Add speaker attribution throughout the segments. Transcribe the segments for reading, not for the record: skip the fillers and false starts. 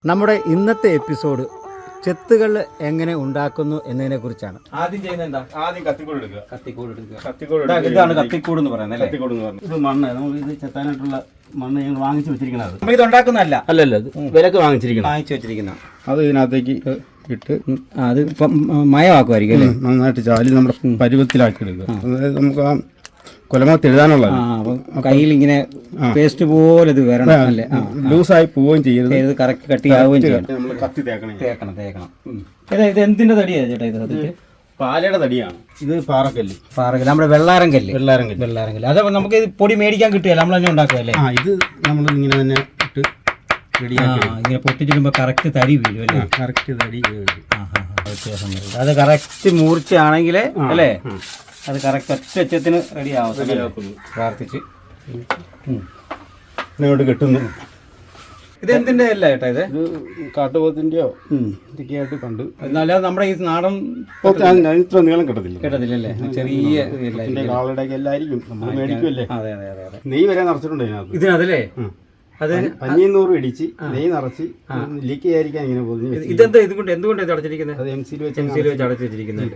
Speaker 1: നമ്മുടെ ഇന്നത്തെ എപ്പിസോഡ് ചെത്തുകൾ എങ്ങനെ ഉണ്ടാക്കുന്നു എന്നതിനെ കുറിച്ചാണ്.
Speaker 2: ആദ്യം ചെയ്യുന്നത് എന്താ? ആദ്യം കത്തിക്കൂട് എടുക്കുക.
Speaker 1: ഇതാണ് കത്തിക്കൂട് എന്ന് പറയുന്നത്.
Speaker 2: ഇത് മണ്ണ്, നമ്മൾ ഇത് ചെത്താനായിട്ടുള്ള മണ്ണ് ഞങ്ങൾ വാങ്ങിച്ചു വെച്ചിരിക്കുന്നത്.
Speaker 1: നമ്മൾ ഇത് ഉണ്ടാക്കുന്നതല്ല,
Speaker 2: അല്ലല്ല, ഇത് വിലക്ക് വാങ്ങിച്ചു
Speaker 1: വെച്ചിരിക്കുന്ന.
Speaker 2: അത് ഇതിനകത്തേക്ക് ഇട്ട്
Speaker 1: അത് മയമാക്കുമായിരിക്കും അല്ലേ?
Speaker 2: നന്നായിട്ട് ചാലി നമ്മുടെ പരുവത്തിലാക്കി എടുക്കുക. അതായത് നമുക്ക് ആ കൊലമത്ത് എഴുതാനുള്ള
Speaker 1: കയ്യിൽ ഇങ്ങനെ പേസ്റ്റ് പോലെ ഇത് വരണം അല്ലേ?
Speaker 2: ലൂസായി പോവുകയും ചെയ്യരുത്,
Speaker 1: ഇത് കറക്റ്റ് കട്ടിയാവുകയും ചെയ്യണം.
Speaker 2: നമ്മൾ കത്തി തേക്കണം.
Speaker 1: ഇത് എന്തിന്റെ തടിയാണ് ചേട്ടാ? ഇത്
Speaker 2: പാലയുടെ തടിയാണ്. ഇത് പാറക്കല്ല്,
Speaker 1: നമ്മുടെ വെള്ളാരം കല്ല്. അത് നമുക്ക് പൊടി മേടിക്കാൻ കിട്ടുകയല്ല, നമ്മൾ തന്നെ ഉണ്ടാക്കുകയല്ലേ?
Speaker 2: ഇത് നമ്മൾ ഇങ്ങനെ തന്നെ ഇട്ട്
Speaker 1: ഇങ്ങനെ പൊട്ടിച്ചിടുമ്പോ കറക്റ്റ് തടി വീഴും അല്ലേ?
Speaker 2: കറക്റ്റ് തടി
Speaker 1: വ്യത്യാസം വരും. അത് കറക്റ്റ് മൂർച്ചയാണെങ്കിൽ അല്ലേ, അത് കറക്റ്റ് ഒറ്റത്തിന് റെഡി ആവും. പ്രാർത്ഥിച്ച്
Speaker 2: ഇങ്ങോട്ട് കിട്ടുന്നു.
Speaker 1: ഇത് എന്തിന്റെ അല്ല ചേട്ടാ? ഇത്
Speaker 2: കാട്ടുപോത്തിന്റെയോ ഇതൊക്കെയായിട്ട് കണ്ട്.
Speaker 1: അല്ലാതെ നമ്മുടെ ഈ നാടൻ
Speaker 2: ഇത്ര നീളം കിട്ടത്തില്ലേ?
Speaker 1: ചെറിയ
Speaker 2: കാളുടെ എല്ലായിരിക്കും നമ്മൾ മേടിക്കുമല്ലേ?
Speaker 1: അതെ.
Speaker 2: നെയ്യ് വരെ നിറച്ചിട്ടുണ്ട്
Speaker 1: ഇതിനകത്തല്ലേ? അത്
Speaker 2: 500 ഇടിച്ച് നെയ്യ് നിറച്ച് ലീക്ക് ചെയ്യാതിരിക്കാൻ ഇങ്ങനെ പോകുന്നു.
Speaker 1: ഇതെന്താ എന്തുകൊണ്ട് ഇത് അടച്ചിരിക്കുന്നത്?
Speaker 2: അത് എംസിയിൽ
Speaker 1: വെച്ച് അടച്ചു വെച്ചിരിക്കുന്നത്.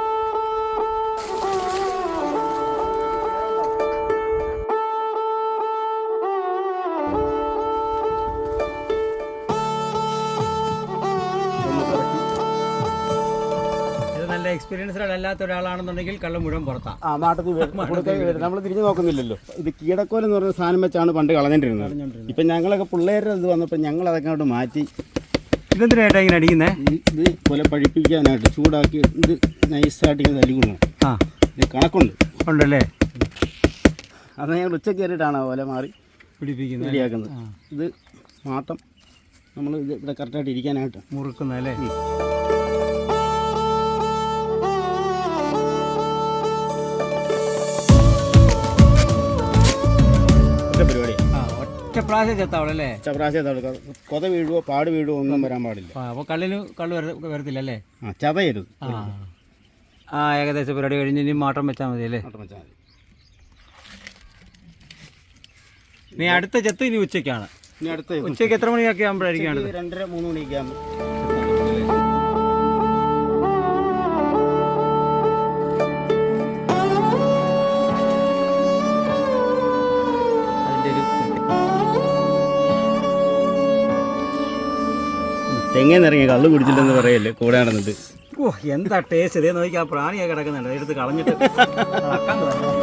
Speaker 1: എക്സ്പീരിയൻസ്ഡ് അല്ലാത്ത ഒരാളാണെന്നുണ്ടെങ്കിൽ കള്ളം മുഴുവൻ പുറത്താണ്.
Speaker 2: നമ്മൾ തിരിഞ്ഞു നോക്കുന്നില്ലല്ലോ. ഇത് കീടക്കോൽ എന്ന് പറയുന്ന സാധനം വെച്ചാണ് പണ്ട് കളഞ്ഞിട്ടിരുന്നത്. ഇപ്പം ഞങ്ങളൊക്കെ പിള്ളേരുടെ ഇത് വന്നപ്പോൾ ഞങ്ങൾ അതൊക്കെ അങ്ങോട്ട് മാറ്റി.
Speaker 1: ഇതെന്തിനായിട്ടാണ് ഇങ്ങനെ അടിക്കുന്നത്?
Speaker 2: ഇത് കൊല പഴിപ്പിക്കാനായിട്ട് ചൂടാക്കി ഇത് നൈസായിട്ട് ഇങ്ങനെ തല്ലിക്കൊള്ളു. ഇത് കണക്കുണ്ട്
Speaker 1: ഉണ്ടല്ലേ?
Speaker 2: അത് ഞങ്ങൾ ഉച്ചയ്ക്ക് കയറിയിട്ടാണ് കൊല മാറി
Speaker 1: പിടിപ്പിക്കുന്നത്,
Speaker 2: റെഡിയാക്കുന്നത്. ഇത് മാട്ടം നമ്മൾ ഇത് ഇവിടെ കറക്റ്റായിട്ട് ഇരിക്കാനായിട്ട്
Speaker 1: മുറുക്കുന്നല്ലേ?
Speaker 2: കൊത വീഴുവോ പാട് വീഴുവോ ഒന്നും വരാൻ പാടില്ല.
Speaker 1: അപ്പോൾ കള്ളിന് വരത്തില്ല അല്ലേ?
Speaker 2: ചതയരുത്.
Speaker 1: ഏകദേശം പരിപാടി കഴിഞ്ഞ് ഇനി മാട്ടം വെച്ചാൽ മതി അല്ലേ? നീ അടുത്ത ചെത്ത് ഇനി ഉച്ചയ്ക്കാണ്. ഉച്ചയ്ക്ക് എത്ര മണിയൊക്കെ ആകുമ്പോഴായിരിക്കും?
Speaker 2: 2:30-3 മണിയൊക്കെ ആകുമ്പോൾ. തെങ്ങേന്നിറങ്ങി കള്ളു കുടിച്ചില്ലെന്ന് പറയല്ലേ കൂടെ നടന്നിട്ട്.
Speaker 1: എന്താ ടേസ്റ്റ്! ഇതേ നോക്കി ആ പ്രാണിയൊക്കെ കിടക്കുന്നുണ്ട്, എടുത്ത് കളഞ്ഞിട്ട്